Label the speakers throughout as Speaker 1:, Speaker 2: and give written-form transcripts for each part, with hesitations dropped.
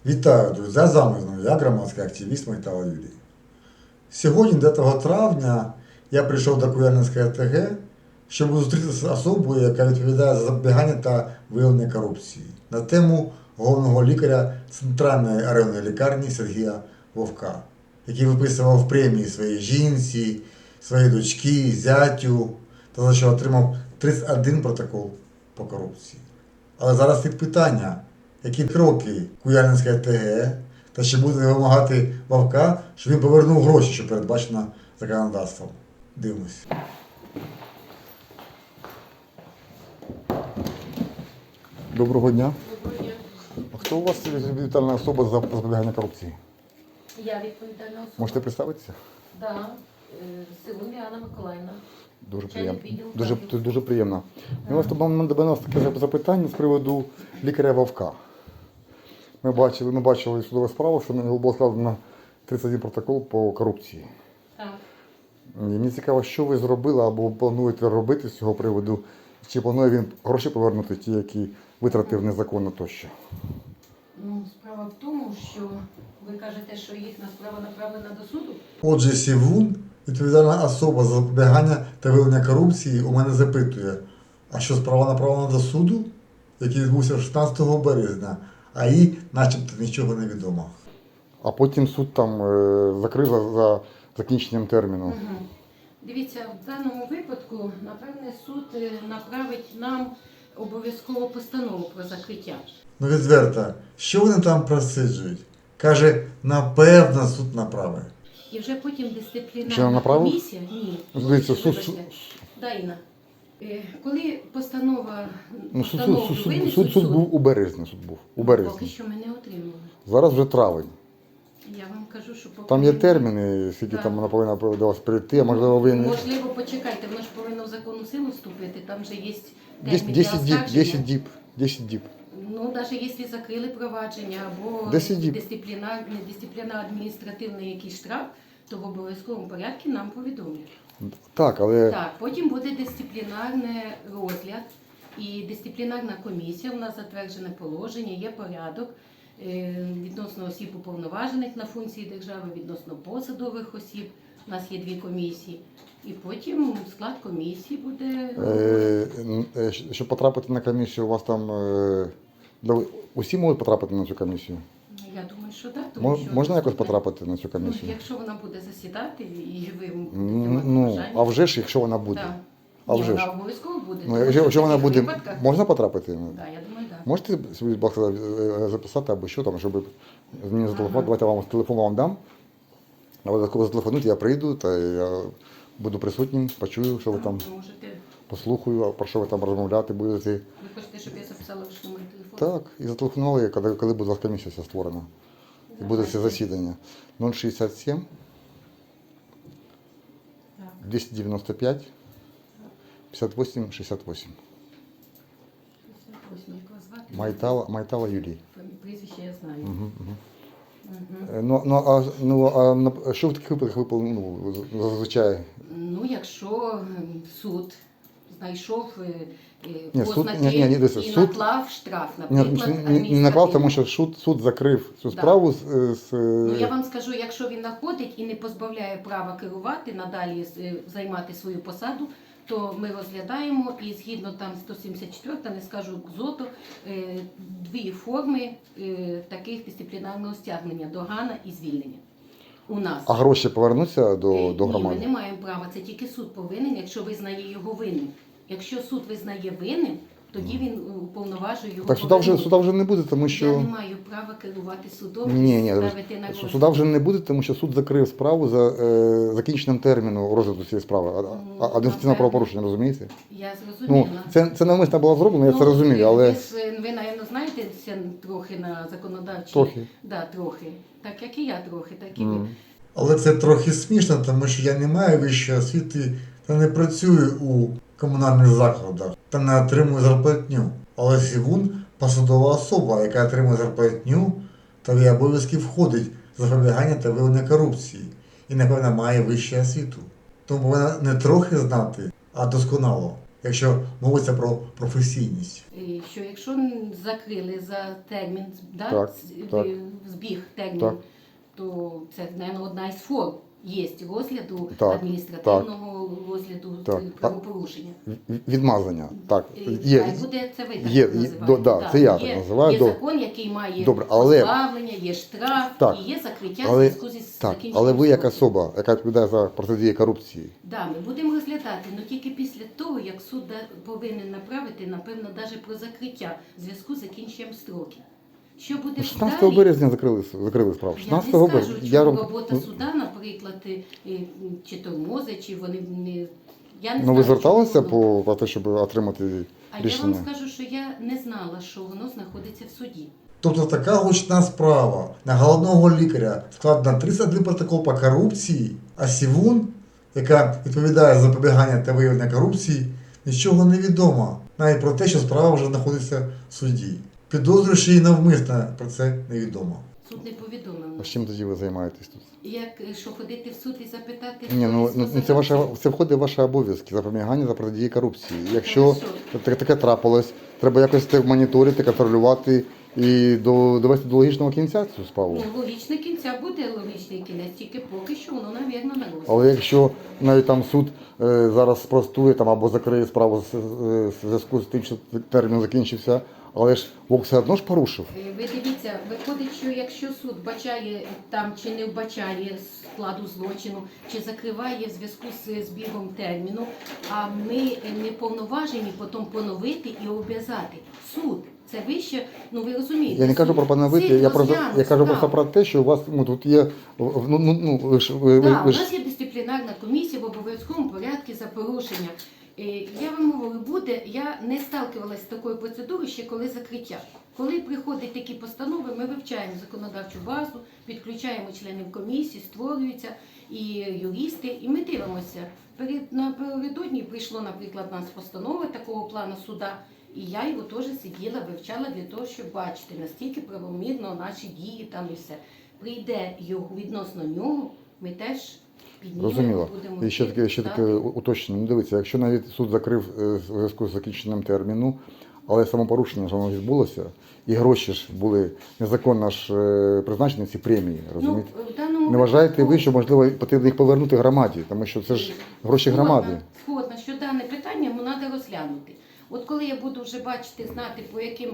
Speaker 1: Вітаю, друзі! З вами знову я, громадський активіст Майтала Юрій. Сьогодні, 9 травня, я прийшов до Куяльницької ОТГ, щоб зустрітися з особою, яка відповідає за запобігання та виявлення корупції, на тему головного лікаря Центральної районної лікарні Сергія Вовка, який виписував премії своїй жінці, своїй дочці, зятю, та за що отримав 31 протокол по корупції. Але зараз є питання, які кроки Куяльницької ОТГ, та ще буде вимагати Вовка, щоб він повернув гроші, що передбачено законодавством. Дивимось. Доброго дня.
Speaker 2: Доброго дня.
Speaker 1: А хто у вас відповідальна особа за запобігання корупції?
Speaker 2: Я відповідальна особа.
Speaker 1: Можете представитися?
Speaker 2: Да. Силун Діана Миколаївна.
Speaker 1: Дуже
Speaker 2: Начальник
Speaker 1: приємно.
Speaker 2: відділу
Speaker 1: Дуже приємно.
Speaker 2: Да.
Speaker 1: У нас таке запитання з приводу лікаря Вовка. Ми бачили судову справу, що на нього було складено 31 протокол по корупції.
Speaker 2: Так.
Speaker 1: І мені цікаво, що ви зробили або плануєте робити з цього приводу, чи планує він гроші повернути ті, які витратив незаконно тощо?
Speaker 2: Справа в тому, що ви кажете, що їхня справа направлена до суду.
Speaker 1: Отже, Сівун, відповідальна особа за запобігання та виявлення корупції, у мене запитує, а що справа направлена до суду, який відбувся 16 березня, а їй начебто нічого не відомо. А потім суд там закрив за закінченням терміну.
Speaker 2: Угу. Дивіться, в даному випадку, напевне, суд направить нам обов'язково постанову про закриття.
Speaker 1: Ну відверто, що вони там просиджують? Каже, напевно, суд направить.
Speaker 2: І вже потім
Speaker 1: Що,
Speaker 2: дисциплінарна
Speaker 1: направив?
Speaker 2: комісія. Ні.
Speaker 1: Дивіться,
Speaker 2: Вибачте. Да, Інна. Коли постанова
Speaker 1: Суд був у березні.
Speaker 2: Поки що ми не отримали.
Speaker 1: Зараз вже травень.
Speaker 2: Я вам кажу, що поки
Speaker 1: Там є
Speaker 2: ми-
Speaker 1: терміни, скільки
Speaker 2: Так.
Speaker 1: там вона повинна до вас прийти, а можливо ви не...
Speaker 2: Можливо, почекайте, воно ж повинно в законну силу вступити, там же є
Speaker 1: 10
Speaker 2: термін для
Speaker 1: діб,
Speaker 2: оскарження.
Speaker 1: 10 діб.
Speaker 2: Ну, навіть якщо закрили провадження або
Speaker 1: 10 діб.
Speaker 2: дисциплінарно-адміністративний якийсь штраф, то в обов'язковому порядку нам повідомлять.
Speaker 1: Так, але...
Speaker 2: Так, потім буде дисциплінарний розгляд і дисциплінарна комісія. У нас затверджене положення, є порядок відносно осіб уповноважених на функції держави, відносно посадових осіб. У нас є 2 комісії. І потім склад комісії буде...
Speaker 1: Щоб потрапити на комісію, у вас там... Усі можуть потрапити на цю комісію?
Speaker 2: Я думаю, що так. Тому що
Speaker 1: Можна якось потрапити на цю комісію?
Speaker 2: Ну, якщо вона буде засідати і ви будете
Speaker 1: Ну,
Speaker 2: мати бажання.
Speaker 1: а вже ж, якщо вона буде.
Speaker 2: Так.
Speaker 1: А
Speaker 2: Ні,
Speaker 1: вже
Speaker 2: вона
Speaker 1: ж.
Speaker 2: обов'язково буде.
Speaker 1: Ну,
Speaker 2: тому
Speaker 1: якщо
Speaker 2: що в
Speaker 1: вона
Speaker 2: таких
Speaker 1: буде,
Speaker 2: випадках-
Speaker 1: можна потрапити?
Speaker 2: Так, я думаю, так.
Speaker 1: Можете собі, будь ласка, записати або що там, щоб мені зателефонувати,
Speaker 2: Ага.
Speaker 1: давайте я вам телефон вам дам. А ви коли зателефонуєте, я прийду, та я буду присутнім, почую, що ви там,
Speaker 2: Ви можете,
Speaker 1: послухаю, а про що ви там розмовляти будете.
Speaker 2: ви хочете, щоб я записала ваш номер телефону?
Speaker 1: Так, і зателефонували, коли буде у вас комісія вся створена. І буде це засідання. 067
Speaker 2: Так.
Speaker 1: 295 58 68.
Speaker 2: Ось як вас звати?
Speaker 1: Майтала Юрій.
Speaker 2: Прізвище я знаю.
Speaker 1: Угу.
Speaker 2: Мгм.
Speaker 1: А що в таких випадках ви зазвичай?
Speaker 2: Ну, якщо суд знайшов
Speaker 1: Ні, суд-
Speaker 2: ознаки
Speaker 1: ні, дивіться,
Speaker 2: і
Speaker 1: суд-
Speaker 2: наклав штраф, наприклад,
Speaker 1: Не наклав, тому
Speaker 2: адміністративний.
Speaker 1: що суд закрив цю
Speaker 2: Да.
Speaker 1: справу
Speaker 2: Ну, я вам скажу, якщо він знаходить і не позбавляє права керувати, надалі займати свою посаду, то ми розглядаємо і згідно там 174, не скажу КЗОТу, 2 форми таких дисциплінарного стягнення – догана і звільнення. У нас.
Speaker 1: А гроші повернуться до
Speaker 2: Ні, ми
Speaker 1: громади?
Speaker 2: не маємо права, це тільки суд повинен, якщо визнає його винним. Якщо суд визнає винним, тоді він уповноважує його
Speaker 1: Так
Speaker 2: повернути.
Speaker 1: суда вже не буде, тому
Speaker 2: Я
Speaker 1: що...
Speaker 2: не маю права керувати судом
Speaker 1: Ні,
Speaker 2: і ставити на розгляд.
Speaker 1: суда вже не буде, тому що суд закрив справу за закінченням терміну розгляду цієї справи. Адміністративне
Speaker 2: напевне.
Speaker 1: правопорушення, розумієте?
Speaker 2: Я
Speaker 1: Ну,
Speaker 2: зрозуміла.
Speaker 1: це навмисно було зроблено, я це розумію, але...
Speaker 2: Ви, напевно, знаєте трохи на законодавчій...
Speaker 1: Трохи.
Speaker 2: Да, трохи. Так, як і я трохи, так і ви.
Speaker 1: Але це трохи смішно, тому що я не маю вищої освіти та не працюю у комунальних закладах та не отримую зарплатню. Але Сівун – посадова особа, яка отримує зарплатню, та в її обов'язки входить запобігання та виявлення корупції і, напевно, має вищу освіту. Тому повинна не трохи знати, а досконало, якщо мовиться про професійність.
Speaker 2: Що якщо закрили за термін, да,
Speaker 3: Так, так.
Speaker 2: збіг термін,
Speaker 3: Так.
Speaker 2: то це, мабуть, одна із форм є розгляду
Speaker 3: Так,
Speaker 2: адміністративного розгляду
Speaker 3: Так.
Speaker 2: правопорушення.
Speaker 3: Відмазання, так.
Speaker 2: Хай буде це ви так
Speaker 3: є,
Speaker 2: називаєте.
Speaker 3: да,
Speaker 2: Так,
Speaker 3: це я так називаю.
Speaker 2: Є
Speaker 3: Добре.
Speaker 2: закон, який має
Speaker 3: Добре, але-
Speaker 2: позбавлення, є штраф
Speaker 3: Так.
Speaker 2: і є закриття в
Speaker 3: Але,
Speaker 2: зв'язку зі
Speaker 3: так,
Speaker 2: закінченням
Speaker 3: але ви як
Speaker 2: строку.
Speaker 3: особа, яка відповідає за протидію корупції,
Speaker 2: Да, ми будемо розглядати, але тільки після того, як суд повинен направити, напевно, навіть про закриття в зв'язку з закінченням строків. Що буде
Speaker 3: 16
Speaker 2: далі?
Speaker 3: березня закрили справу.
Speaker 2: Я
Speaker 3: 16
Speaker 2: не скажу,
Speaker 3: березня.
Speaker 2: чи
Speaker 3: Я
Speaker 2: робота суда, наприклад, чи тормозить, чи вони не... Я не
Speaker 3: Ну ви
Speaker 2: знаю,
Speaker 3: зверталися
Speaker 2: чому воно.
Speaker 3: по те, щоб отримати
Speaker 2: А я
Speaker 3: рішення?
Speaker 2: вам скажу, що я не знала, що воно знаходиться в суді.
Speaker 1: Тобто така гучна справа на головного лікаря складена 31 протокол по корупції, а Сівун, яка відповідає за запобігання та виявлення корупції, нічого не відомо, навіть про те, що справа вже знаходиться в суді. Підозрюючи її навмисно, про це невідомо.
Speaker 2: Суд не повідомив.
Speaker 3: А
Speaker 2: нас.
Speaker 3: чим тоді ви займаєтесь тут?
Speaker 2: Як, що ходити в суд і запитати?
Speaker 3: Ні, ну,
Speaker 2: хтось
Speaker 3: ну це це входить в ваші обов'язки запобігання за протидії корупції. Якщо
Speaker 2: Хорошо.
Speaker 3: таке трапилось, треба якось це моніторити, контролювати і довести до логічного кінця цю справу.
Speaker 2: Ну, логічний кінця буде логічний кінець, тільки поки що воно, навірно, не розгляд.
Speaker 3: Але якщо навіть там суд зараз спростує там або закриє справу в зв'язку з тим, що термін закінчився, але ж ВОК все одно ж порушив.
Speaker 2: Ви дивіться, виходить, що якщо суд вбачає там чи не вбачає складу злочину, чи закриває в зв'язку з збігом терміну, а ми не повноважені потім поновити і обов'язати. Суд. Це вище, ну ви розумієте.
Speaker 3: Я не кажу
Speaker 2: суд
Speaker 3: про поновити,
Speaker 2: цих
Speaker 3: я
Speaker 2: розглянув
Speaker 3: кажу просто
Speaker 2: справу.
Speaker 3: про те, що у вас тут є, ви ж
Speaker 2: Так, у
Speaker 3: ви ж
Speaker 2: нас є дисциплінарна комісія в обов'язковому порядку за порушення. Я вам говорю, буде, я не сталкивалася з такою процедурою ще коли закриття. Коли приходять такі постанови, ми вивчаємо законодавчу базу, підключаємо членів комісії, створюються і юристи, і ми дивимося. Напередодні прийшло, наприклад, у нас постанова такого плану суда, і я його теж сиділа, вивчала для того, щоб бачити, наскільки правомірно наші дії там і все. Прийде його відносно нього, ми теж піднімемо,
Speaker 3: Зрозуміло.
Speaker 2: будемо
Speaker 3: І ще таке
Speaker 2: читати.
Speaker 3: уточнення. Ну, дивіться, якщо навіть суд закрив в зв'язку з закінченням терміну, але самопорушення ж воно відбулося, і гроші ж були незаконно ж призначені ці премії, розумієте?
Speaker 2: в даному
Speaker 3: Не вважаєте
Speaker 2: випадку-
Speaker 3: ви, що можливо потрібно їх повернути громаді, тому що це ж гроші громади.
Speaker 2: Згодна, що дане питання треба розглянути. От коли я буду вже бачити, знати, по яким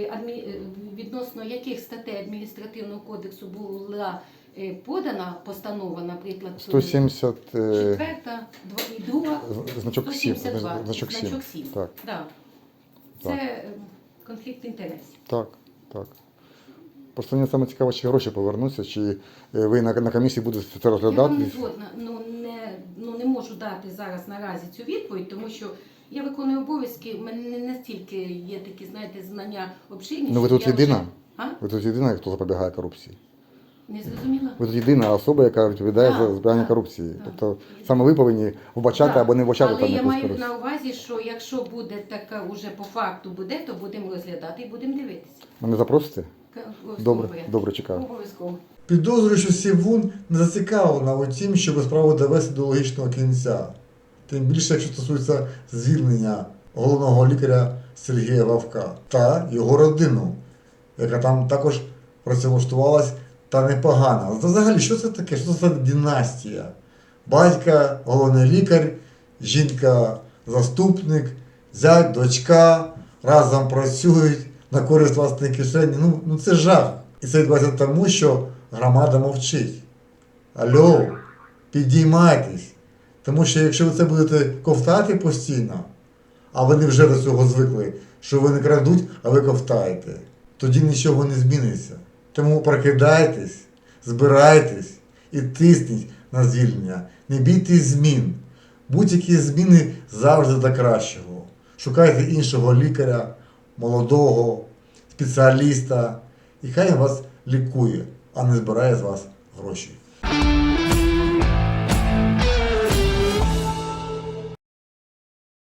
Speaker 2: відносно яких статей адміністративного кодексу була подана постанова, наприклад,
Speaker 3: 170
Speaker 2: четверта, і друга,
Speaker 3: значок 7.
Speaker 2: 172,
Speaker 3: Значок 7.
Speaker 2: значок 7.
Speaker 3: Так,
Speaker 2: Да. Це конфлікт інтересів.
Speaker 3: так, так. Просто мені саме цікаво, чи гроші повернуться, чи ви на комісії будете це
Speaker 2: Я вам
Speaker 3: розглядати.
Speaker 2: не згодна, не можу дати зараз наразі цю відповідь, тому що я виконую обов'язки, в мене не настільки є такі, знаєте, знання обширні.
Speaker 3: Ну ви
Speaker 2: що
Speaker 3: тут
Speaker 2: я
Speaker 3: єдина?
Speaker 2: вже- А?
Speaker 3: Ви тут єдина, хто запобігає корупції.
Speaker 2: Не зрозуміла?
Speaker 3: Ви тут єдина особа, яка відповідає
Speaker 2: Так,
Speaker 3: за збирання
Speaker 2: так,
Speaker 3: корупції.
Speaker 2: так.
Speaker 3: Тобто саме ви повинні вбачати
Speaker 2: Так,
Speaker 3: або не вбачати
Speaker 2: але
Speaker 3: там
Speaker 2: я
Speaker 3: якусь
Speaker 2: маю
Speaker 3: корупцію.
Speaker 2: на увазі, що якщо буде така уже по факту буде, то будемо розглядати і будемо дивитися.
Speaker 3: Мене запросите? Добре,
Speaker 2: Порядку.
Speaker 3: добре, чекаю.
Speaker 2: Обов'язково.
Speaker 1: Підозрюю, що Сівун не зацікавлена у тім, щоб справу довести до логічного кінця. Тим більше, якщо стосується звільнення головного лікаря Сергія Вовка та його родину, яка там також працевлаштувалась та непогано. Взагалі, що це таке? Що це за династія? Батька, головний лікар, жінка, заступник, зять, дочка, разом працюють на користь власної кишені. Ну це жах. І це відбувається тому, що громада мовчить. Алло, підіймайтесь. Тому що якщо ви це будете ковтати постійно, а вони вже до цього звикли, що ви не крадуть, а ви ковтаєте, тоді нічого не зміниться. Тому прокидайтесь, збирайтесь і тисніть на звільнення. Не бійтесь змін. Будь-які зміни завжди до кращого. Шукайте іншого лікаря, молодого, спеціаліста, і хай він вас лікує, а не збирає з вас гроші.